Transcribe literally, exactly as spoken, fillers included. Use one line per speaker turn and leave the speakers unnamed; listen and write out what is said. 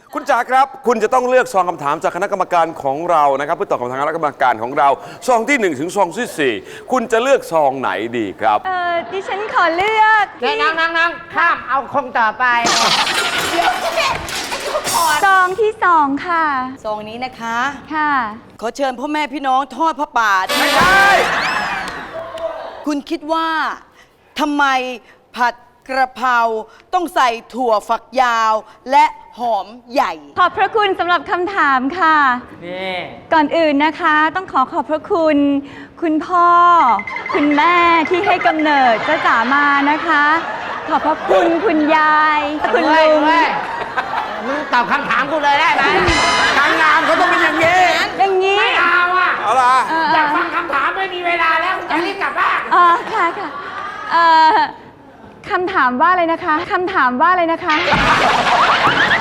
คุณจ๋าครับคุณจะต้องเลือกซองคำถามจากคณะกรรมการของเรานะครับเพื่อตอบคำถามคณะกรรมการของเราซองที่หนึ่งถึงซองที่สี่คุณจะเลือกซองไหนดีครับ
เออดิฉันขอเลือก
เนี่ยนั่งนั่งนั่งข้ามเอาคงต่อไป
ซองที่สองค่ะ
ซองนี้นะคะ
ค่ะ
ขอเชิญพ่อแม่พี่น้องทอดพระป่าไม่ใช่ คุณคิดว่าทำไมผัดกระเพราต้องใส่ถั่วฝักยาวและหอมใหญ่
ขอบพระคุณสำหรับคำถามค่ะ
นี่
ก่อนอื่นนะคะต้องขอขอบพระคุณ คุณพ่อ คุณแม่ที่ให้กำเนิดจ้าจ๋ามานะคะ ขอบพระคุณคุณยายคุณ
เว้ย
ลุง
เว้ยมึงตอบคำถามกูเลยได้ไหม
นางงามเขาต้องเป็นอย่างนี้
อย่างนี้
ไม่เอาอ่ะ
เอาล่ะ
เออ
อยากฟังคำถามไม่มีเวลาแล้วจะรีบกลับบ้าน
เออค่ะค่ะเอ่อคำถามว่าอะไรนะคะคำถามว่าอะไรนะคะ